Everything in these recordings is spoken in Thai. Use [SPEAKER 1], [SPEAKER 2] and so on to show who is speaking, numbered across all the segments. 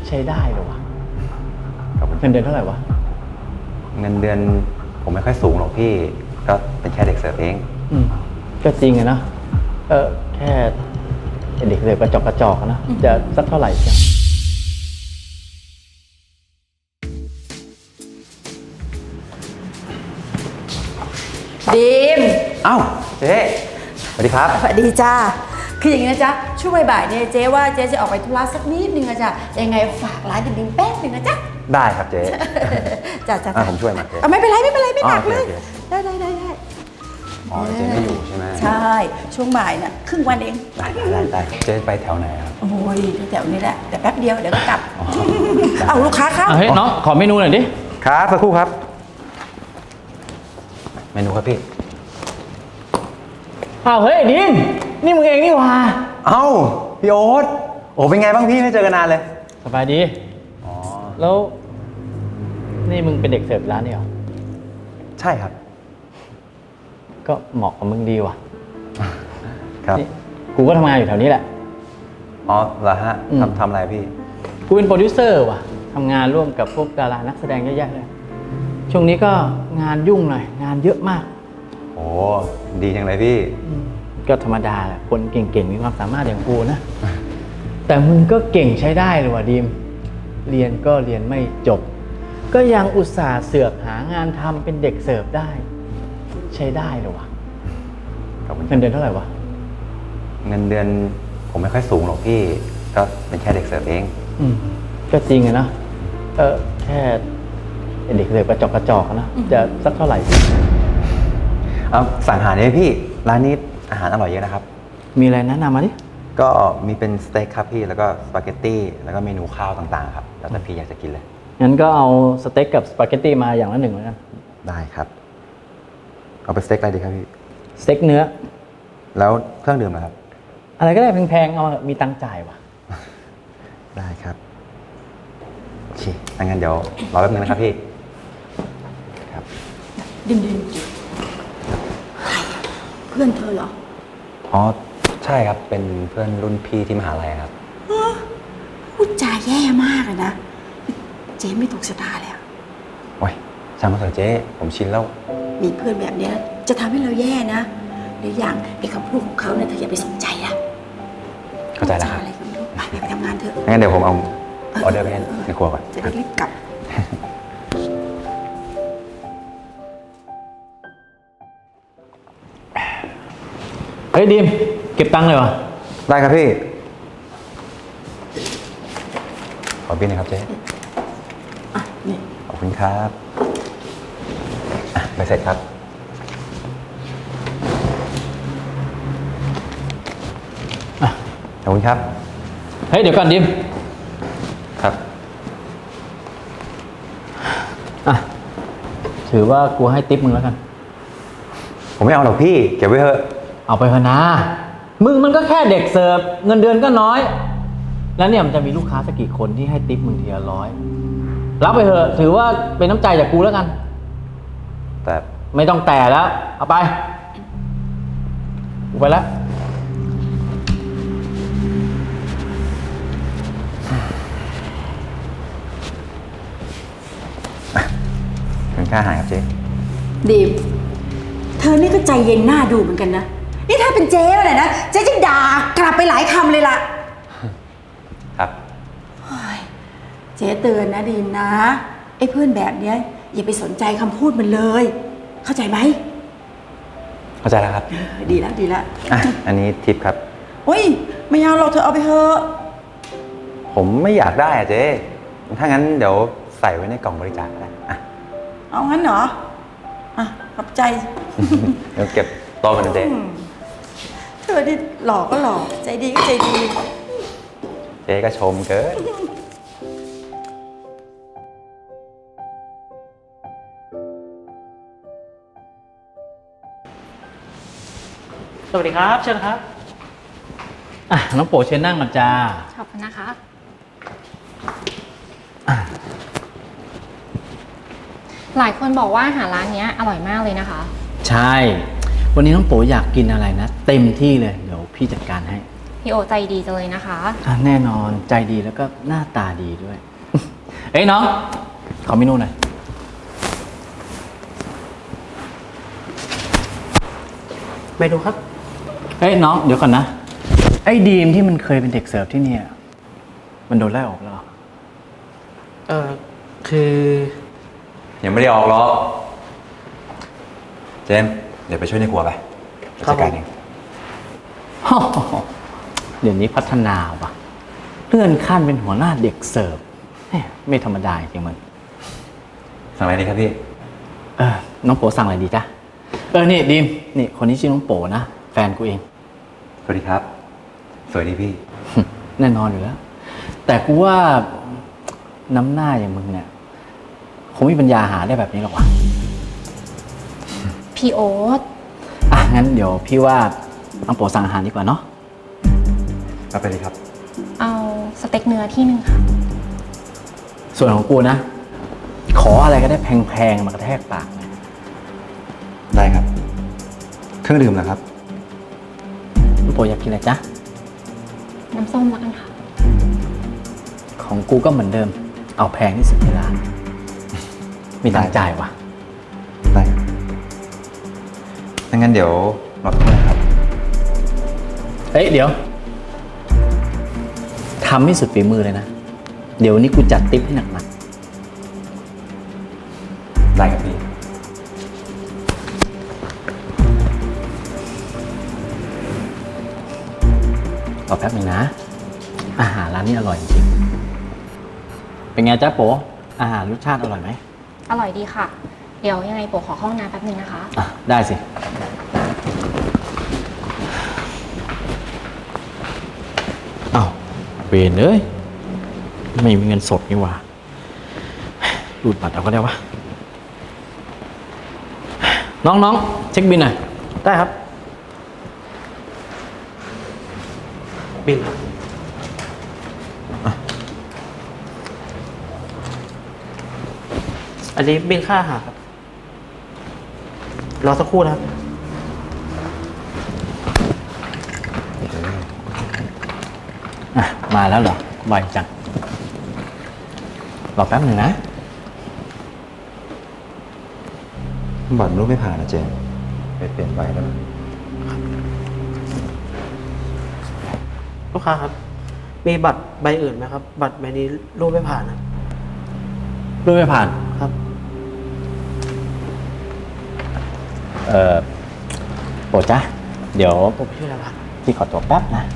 [SPEAKER 1] ใช้ได้เลยวะเงินเดือนเท่าไหร่วะ
[SPEAKER 2] เงินเดือนผมไม่ค่อยสูงหรอกพี่ก็เป็นแค่เด็กเสิร์ฟเอง
[SPEAKER 1] ก็จริงอะนะแค่เด็กเสิร์ฟกระจอกนะจะสักเท่าไหร่จ้ะ
[SPEAKER 3] ดีม
[SPEAKER 2] อ้าวเจ๊สวัสดีครับ
[SPEAKER 3] สวัสดีจ้าคืออย่างนี้นะจ๊ะช่วงบ่ายๆเนี่ยเจ๊ว่าเจ๊จะออกไปธุระสักนิดนึงอะจ้ะยังไงฝากร้านดิมๆแป๊บนึงนะจ๊ะ
[SPEAKER 2] ได้ครับเจ๊
[SPEAKER 3] จ้ะ
[SPEAKER 2] ผมช่วยมาเจ๊
[SPEAKER 3] ไม่เป็นไรไม่หนักเลยได้
[SPEAKER 2] อ๋อเจ๊ไม่อยู่ใช่ไหม
[SPEAKER 3] ใช่ช่วงบ่ายน่ะครึ่งวันเอง
[SPEAKER 2] ได้เจ๊ไปแถวไหนครับ
[SPEAKER 3] โอ้ยแถวนี้แหละแต่แป๊บเดียวเดี๋ยวก็กลับเอาลูกค้าเข้า
[SPEAKER 1] เฮ้ยน้องขอเมนูหน่อยดิ
[SPEAKER 2] ครับสักครู่ครับเมนูครับพี่
[SPEAKER 1] เฮ้ยดิมนี่มึงเองนี่หว่า
[SPEAKER 2] เอ้าพี่โอ๊ตโอ้เป็นไงบ้างพี่ไม่เจอกันนานเลย
[SPEAKER 1] สบายดีแล้วนี่มึงเป็นเด็กเสิร์ฟร้านนี่เหรอ
[SPEAKER 2] ใช่ครับ
[SPEAKER 1] ก็เหมาะกับมึงดีว่ะ
[SPEAKER 2] ครับ
[SPEAKER 1] กูก็ทำงานอยู่แถวนี้แหละ
[SPEAKER 2] อ๋อเหรอฮะทำอะไรพี่
[SPEAKER 1] กูเป็นโปรดิวเซอร์ว่ะทำงานร่วมกับพวกดารานักแสดงเยอะแยะเลยช่วงนี้ก็งานยุ่งหน่อยงานเยอะมาก
[SPEAKER 2] โอ้ดีจังเลยพี่
[SPEAKER 1] ก็ธรรมดาแหละคนเก่งๆมีความสามารถอย่างกูนะแต่มึงก็เก่งใช้ได้เลยว่ะดีมเรียนก็เรียนไม่จบก็ยังอุตส่าห์เสือกหางานทำเป็นเด็กเสิร์ฟได้ใช้ได้เลยว่ะเงินเดือนเท่าไหร่วะ
[SPEAKER 2] เงินเดือนผมไม่ค่อยสูงหรอกพี่ก็เป็นแค่เด็กเสิร์ฟเอง
[SPEAKER 1] ก็จริงอะนะแค่เด็กเสิร์ฟกระจอกนะจะสักเท่าไหร่
[SPEAKER 2] สั่งอาหารได้พี่ร้านนี้อาหารอร่อยเยอะนะครับ
[SPEAKER 1] มีอะไรแนะนำมาดิ
[SPEAKER 2] ก็มีเป็นสเต็กครับพี่แล้วก็สปาเกตตี้แล้วก็เมนูข้าวต่างๆครับแล้วแต่พี่อยากจะกินเลย
[SPEAKER 1] งั้นก็เอาสเต็กกับสปาเกตตี้มาอย่างละ1แล้วกัน
[SPEAKER 2] ได้ครับเอาเป็นสเต็กอะไรดีครับพี่
[SPEAKER 1] สเต็กเนื้อ
[SPEAKER 2] แล้วเครื่องดื่มนะครับ
[SPEAKER 1] อะไรก็ได้แพงๆเอามีตังค์จ่ายว่ะ
[SPEAKER 2] ได้ครับโอเคงั้นเดี๋ยวรอแป๊บนึงนะครับพี่ครับ
[SPEAKER 3] ดิมเพื่อนเธอเหรอ
[SPEAKER 2] อ๋อใช่ครับเป็นเพื่อนรุ่นพี่ที่มหาลัยครับ
[SPEAKER 3] พูดจาแย่มากเลยนะเจ๊ไม่ถูกชะตาเลย
[SPEAKER 2] โอ้ยช่างมันเถอะเจ๊ผมชินแล้ว
[SPEAKER 3] มีเพื่อนแบบนี้จะทำให้เราแย่นะหรืออย่างไอ้คำพูดของเขาเนี่ยเธออย่าไปสนใจนะ
[SPEAKER 2] เข้าใจแล้วครับ
[SPEAKER 3] อะไรก็ไม่รู้ไปทำงานเถอะ
[SPEAKER 2] งั้นเดี๋ยวผมเอาออเดอร์ไปในครัวก่อน
[SPEAKER 3] จะได้รีบกลับ
[SPEAKER 1] เฮ้ยดีมเก็บตังค์เลยวะ
[SPEAKER 2] ได้ครับพี่ขอบินหน่อยครับเจ๊
[SPEAKER 3] นี่
[SPEAKER 2] ขอบคุณครับไปเสร็จครับขอบคุณครับ
[SPEAKER 1] เฮ้ยเดี๋ยวก่อนดิม
[SPEAKER 2] ครับ
[SPEAKER 1] ถือว่ากูให้ทิปมึงแล้วกัน
[SPEAKER 2] ผมไม่เอาหรอกพี่เก็บไว้เถอะ
[SPEAKER 1] เอาไปพนามึงมันก็แค่เด็กเสิร์ฟเงินเดือนก็น้อยแล้วเนี่ยมันจะมีลูกค้าสักกี่คนที่ให้ทิปมึงทีละ100รับไปเถอะถือว่าเป็นน้ำใจจากกูแล้วกัน
[SPEAKER 2] แต่
[SPEAKER 1] ไม่ต้องแต่แล้วเอาไปกูไปแล้ว
[SPEAKER 2] เป็นค่าอาหารครับเจ๊
[SPEAKER 3] ดีมเธอนี่ก็ใจเย็นหน้าดูเหมือนกันนะนี่ถ้าเป็นเจ๊เลยนะเจ๊จะด่ากลับไปหลายคำเลยล่ะ
[SPEAKER 2] ครับ
[SPEAKER 3] เจ๊เตือนนะดีมนะไอ้เพื่อนแบบเนี้ยอย่าไปสนใจคำพูดมันเลยเข้าใจไหม
[SPEAKER 2] เข้าใจแล้วครับ
[SPEAKER 3] ดีแล้ว
[SPEAKER 2] อันนี้ทิปครับ
[SPEAKER 3] เฮ้ยไม่เอาหรอกเธอเอาไปเถอะ
[SPEAKER 2] ผมไม่อยากได้อะเจ๊ถ้างั้นเดี๋ยวใส่ไว้ในกล่องบริจาคนะ
[SPEAKER 3] เอางั้นเหรอขอบใจ
[SPEAKER 2] เดี๋ยวเก็บโต๊ะกันเจ๊
[SPEAKER 3] เธอที่หล่อก็หล่อใจดีก็ใจดี
[SPEAKER 2] เจ๊ก็ชมเกิน
[SPEAKER 1] สวัสดีครับเชิญครับน้องโป๋เชิญนั่งก่อนจ้า
[SPEAKER 4] ขอบคุณนะคะ หลายคนบอกว่าอาหารร้านนี้อร่อยมากเลยนะคะ
[SPEAKER 1] ใช่วันนี้น้องโป๋อยากกินอะไรนะเต็มที่เลยเดี๋ยวพี่จัดการให้
[SPEAKER 4] พี่โอใจดีจังเลยนะคะ
[SPEAKER 1] แน่นอนใจดีแล้วก็หน้าตาดีด้วย เอ้ยน้อง ขอเมนูหน่อย
[SPEAKER 5] เมนูครับ
[SPEAKER 1] เฮ้ยน้องเดี๋ยวก่อนนะ ไอ้ดีมที่มันเคยเป็นเด็กเสิร์ฟที่เนี่ย มันโดนไล่ออกแล้วเหรอ
[SPEAKER 5] คือ
[SPEAKER 2] ยังไม่ได้ออกหรอกเจมส์เดี๋ยวไปช่วยในครัวไปจัดการเอง
[SPEAKER 1] เดี๋ยวนี้พัฒนาว่ะเลื่อนขั้นเป็นหัวหน้าเด็กเสิร์ฟแหม่ไม่ธรรมดาจริงมึง
[SPEAKER 2] สั่งอะไรดีครับพี่
[SPEAKER 1] น้องโปสั่งอะไรดีจ๊ะนี่ดีมนี่คนนี้ชื่อน้องโปนะแฟนกูเอง
[SPEAKER 2] สวัสดีครับ สวัสดีพี่
[SPEAKER 1] แน่นอนอยู่แล้ว แต่กูว่าน้ำหน้าอย่างมึงเนี่ยคงไม่มีปัญญาหาได้แบบนี้หรอกวะ
[SPEAKER 4] พี่โอ๊ต
[SPEAKER 1] งั้นเดี๋ยวพี่ว่าน้องโปสั่งอาหารดีกว่าเนาะ
[SPEAKER 2] เอาไปเลยครับ
[SPEAKER 4] เอาสเต็กเนื้อที่หนึ่งค่ะ
[SPEAKER 1] ส่วนของกูนะ ขออะไรก็ได้แพงๆมากระแทกปากหน่อย
[SPEAKER 2] ได้ครับ เครื่องดื่มนะครับ
[SPEAKER 1] น้องโปอยากกินอะไรจ๊ะ
[SPEAKER 4] น้ำส้มแล้วกันค่ะ
[SPEAKER 1] ของกูก็เหมือนเดิม เอาแพงที่สุดในร้านมีตังค์จ่ายว่ะ
[SPEAKER 2] ได้ครับถ้างั้นเดี๋ยวรอสักครู่นะครับ
[SPEAKER 1] เดี๋ยวทำให้สุดฝีมือเลยนะ เดี๋ยวนี้กูจัดติ๊บให้หนัก
[SPEAKER 2] ได้ครับพี่
[SPEAKER 1] ๆรอแป๊บหนึ่งนะ อาหารร้านนี้อร่อยจริงๆเป็นไงจ๊ะโปอาหารรสชาติอร่อยไหม
[SPEAKER 4] อร่อยดีค่ะ เดี๋ยวยังไงโปขอเข้าห้องน้ำแป๊บนึงนะคะ
[SPEAKER 1] ได้สิ อ้าวเวรเลย ไม่มีเงินสดนี่หว่ารูดบัตรเอาก็ได้วะ น้องเช็คบินหน่อย
[SPEAKER 5] ได้ครับ บินอันนี้บินค่าอาหารครับ รอสักครู่นะครับ
[SPEAKER 1] มาแล้วเหรอบ่อยจัง รอแป๊บหนึ่งนะ
[SPEAKER 2] บัตรรูปไม่ผ่านนะเจมส์ไปเปลี่ยนใบแล้วนะ
[SPEAKER 5] ลูกค้าครับ มีบัตรใบอื่นไหมครับ บัตรใบนี้รูปไม่ผ่านนะ
[SPEAKER 1] รูดไม่ผ่าน
[SPEAKER 5] ครับ
[SPEAKER 1] โปรดจ้ะเดี๋ยว
[SPEAKER 5] ผมชื่ออะไรครับ
[SPEAKER 1] พี่ขอตัวแป๊บนะ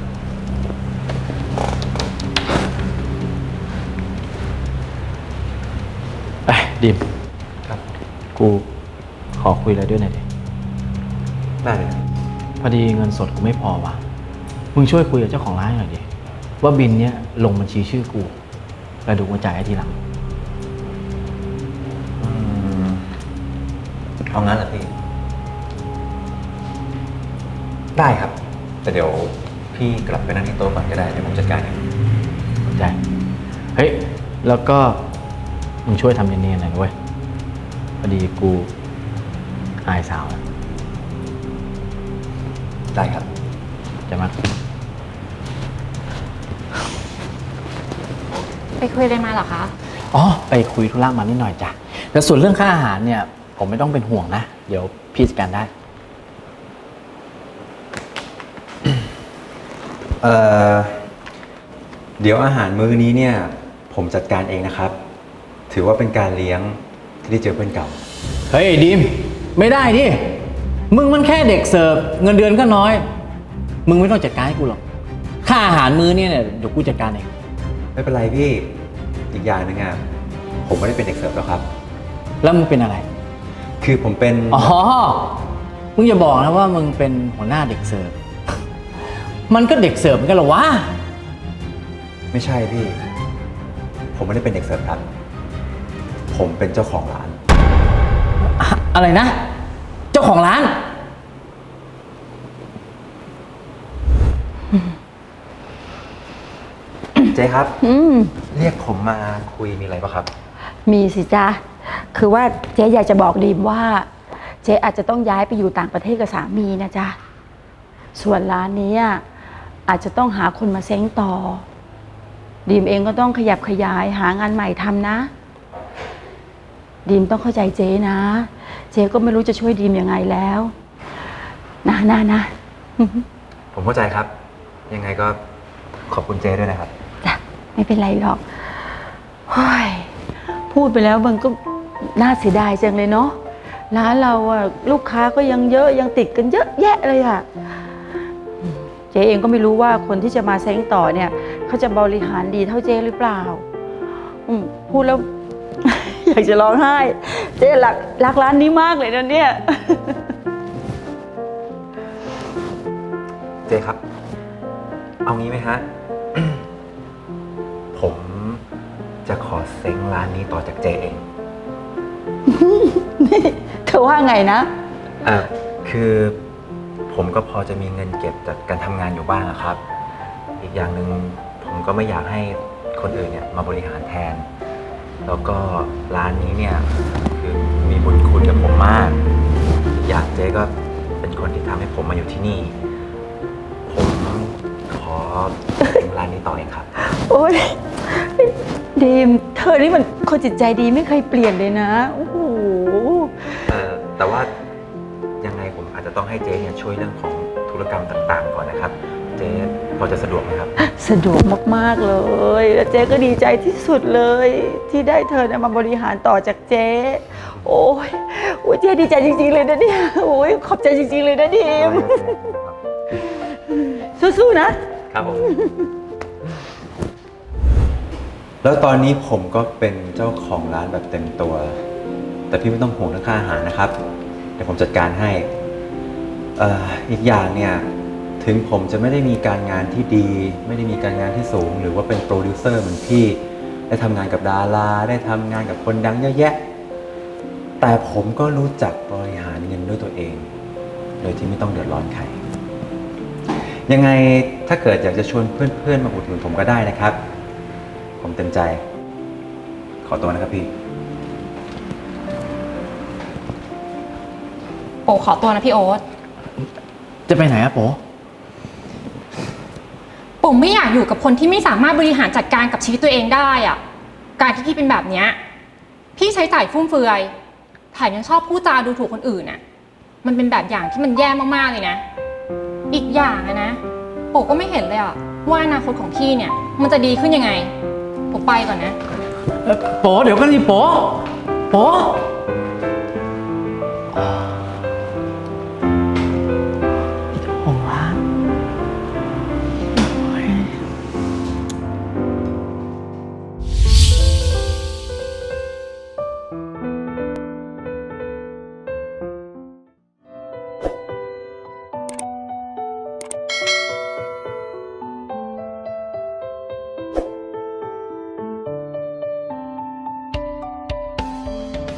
[SPEAKER 1] ดิม
[SPEAKER 2] ครับ
[SPEAKER 1] กูขอคุยอะไรด้วยหน่อยดิ
[SPEAKER 2] ได้เลยครับ
[SPEAKER 1] พอดีเงินสดกูไม่พอว่ะ มึงช่วยคุยกับเจ้าของร้านหน่อยดิ ว่าบินเนี้ยลงบัญชีชื่อกู แล้วดูมาจ่ายให้ทีหลัง
[SPEAKER 2] เอางั้นเหรอพี่ ได้ครับ แต่เดี๋ยวพี่กลับไปนั่งที่โต๊ะก่อนก็ได้เดี๋ยวผมจัดการเอง
[SPEAKER 1] ได้ เฮ้ย แล้วก็มึงช่วยทำเนียนๆหน่อยนะเว้ย พอดีกูอายสาวนะ
[SPEAKER 2] ได้ครับ
[SPEAKER 1] จะมา
[SPEAKER 4] ไปคุยอะไรมาเหรอคะ
[SPEAKER 1] ไปคุยธุระมานิดหน่อยจ้ะแต่ส่วนเรื่องค่าอาหารเนี่ย ผมไม่ต้องเป็นห่วงนะ เดี๋ยวพี่จัดการได้
[SPEAKER 2] เดี๋ยวอาหารมื้อนี้เนี่ย ผมจัดการเองนะครับ ถือว่าเป็นการเลี้ยงที่ได้เจอเพื่อนเก่า
[SPEAKER 1] เฮ้ยดีมไม่ได้ดิ มึงมันแค่เด็กเสิร์ฟเงินเดือนก็น้อย มึงไม่ต้องจัดการให้กูหรอก ค่าอาหารมื้อเนี่ยเดี๋ยวกูจัดการเอง
[SPEAKER 2] ไม่เป็นไรพี่ อีกอย่างหนึงอ่ะ ผมไม่ได้เป็นเด็กเสิร์ฟแล้วครับ
[SPEAKER 1] แล้วมึงเป็นอะไร
[SPEAKER 2] คือผมเป็น
[SPEAKER 1] มึงอย่าบอกนะว่ามึงเป็นหัวหน้าเด็กเสิร์ฟ มันก็เด็กเสิร์ฟเหมือนกันเหรอวะ
[SPEAKER 2] ไม่ใช่พี่ ผมไม่ได้เป็นเด็กเสิร์ฟครับ ผมเป็นเจ้าของร้าน
[SPEAKER 1] อะไรนะ เจ้าของร้าน
[SPEAKER 2] เจ๊ครับ
[SPEAKER 3] อืม
[SPEAKER 2] เรียกผมมาคุยมีอะไรปะครับ
[SPEAKER 3] มีสิจ๊ะ คือว่าเจ๊อยากจะบอกดีมว่า เจ๊อาจจะต้องย้ายไปอยู่ต่างประเทศกับสามีนะจ๊ะ ส่วนร้านนี้อาจจะต้องหาคนมาเซ้งต่อดีมเองก็ต้องขยับขยายหางานใหม่ทำนะดีมต้องเข้าใจเจ๊นะเจ๊ก็ไม่รู้จะช่วยดีมยังไงแล้วนะ
[SPEAKER 2] ผมเข้าใจครับ ยังไงก็ขอบคุณเจด้วยนะครับ
[SPEAKER 3] จ้ะไม่เป็นไรหรอกเฮ้ยพูดไปแล้วมันก็น่าเสียดายจังเลยเนาะร้านเราอะลูกค้าก็ยังเยอะยังติดกันเยอะแยะเลยอะเจ๊เองก็ไม่รู้ว่าคนที่จะมาเซ้งต่อเนี่ยเขาจะบริหารดีเท่าเจ๊หรือเปล่าพูดแล้ว อยากจะร้องไห้เจ๊รักร้านนี้มากเลยนะเนี่ย
[SPEAKER 2] เจครับ เอางี้ไหมฮะ ผมจะขอเซ้งร้านนี้ต่อจากเจเอง
[SPEAKER 3] นี่เธอว่าไงนะ
[SPEAKER 2] คือผมก็พอจะมีเงินเก็บจากการทำงานอยู่บ้างอะครับ อีกอย่างหนึ่งผมก็ไม่อยากให้คนอื่นเนี่ยมาบริหารแทน แล้วก็ร้านนี้เนี่ยคือมีบุญคุณกับผมมากอีกอย่างเจ๊ก็เป็นคนที่ทำให้ผมมาอยู่ที่นี่ ผมขอเซ้งร้านนี้ต่อเองครับ
[SPEAKER 3] โอ๊ยดีมเธอนี่มันคนจิตใจดีไม่เคยเปลี่ยนเลยนะโอ้โห
[SPEAKER 2] แต่ว่ายังไงผมอาจจะต้องให้เจ๊เนี่ยช่วยเรื่องของธุรกรรมต่างๆก่อนนะครับ เจ๊พอจะสะดวกไหมครับ
[SPEAKER 3] สะดวกมากๆเลยแล้วเจ๊ก็ดีใจที่สุดเลย ที่ได้เธอเนี่ยมาบริหารต่อจากเจ๊โอ้ยเจ๊ดีใจจริงๆเลยนะเนี่ยโอ้ยขอบใจจริงๆเลยนะดีมสู้ๆนะครับ
[SPEAKER 2] ผม แล้วตอนนี้ผมก็เป็นเจ้าของร้านแบบเต็มตัว แต่พี่ไม่ต้องห่วงเรื่องค่าอาหารนะครับเดี๋ยวผมจัดการให้อีกอย่างเนี่ยถึงผมจะไม่ได้มีการงานที่ดี ไม่ได้มีการงานที่สูง หรือว่าเป็นโปรดิวเซอร์เหมือนพี่ได้ทำงานกับดาราได้ทำงานกับคนดังเยอะแยะแต่ผมก็รู้จักบริหารเงินด้วยตัวเองโดยที่ไม่ต้องเดือดร้อนใครยังไงถ้าเกิดอยากจะชวนเพื่อนๆมาอุดหนุนผมก็ได้นะครับผมเต็มใจขอตัวนะครับพี่
[SPEAKER 4] โปขอตัวนะพี่โอ๊ต
[SPEAKER 1] จะไปไหนอะโป
[SPEAKER 4] ผมไม่อยากอยู่กับคนที่ไม่สามารถบริหารจัดการกับชีวิตตัวเองได้อะการที่พี่เป็นแบบเนี้ยพี่ใช้จ่ายฟุ่มเฟือยแถมยังชอบพูดจาดูถูกคนอื่นน่ะมันเป็นแบบอย่างที่มันแย่มากๆเลยนะอีกอย่างนะโปก็ไม่เห็นเลยอะว่าอนาคตของพี่เนี่ยมันจะดีขึ้นยังไงโปไปก่อนนะ
[SPEAKER 1] โปเดี๋ยวกันดิโป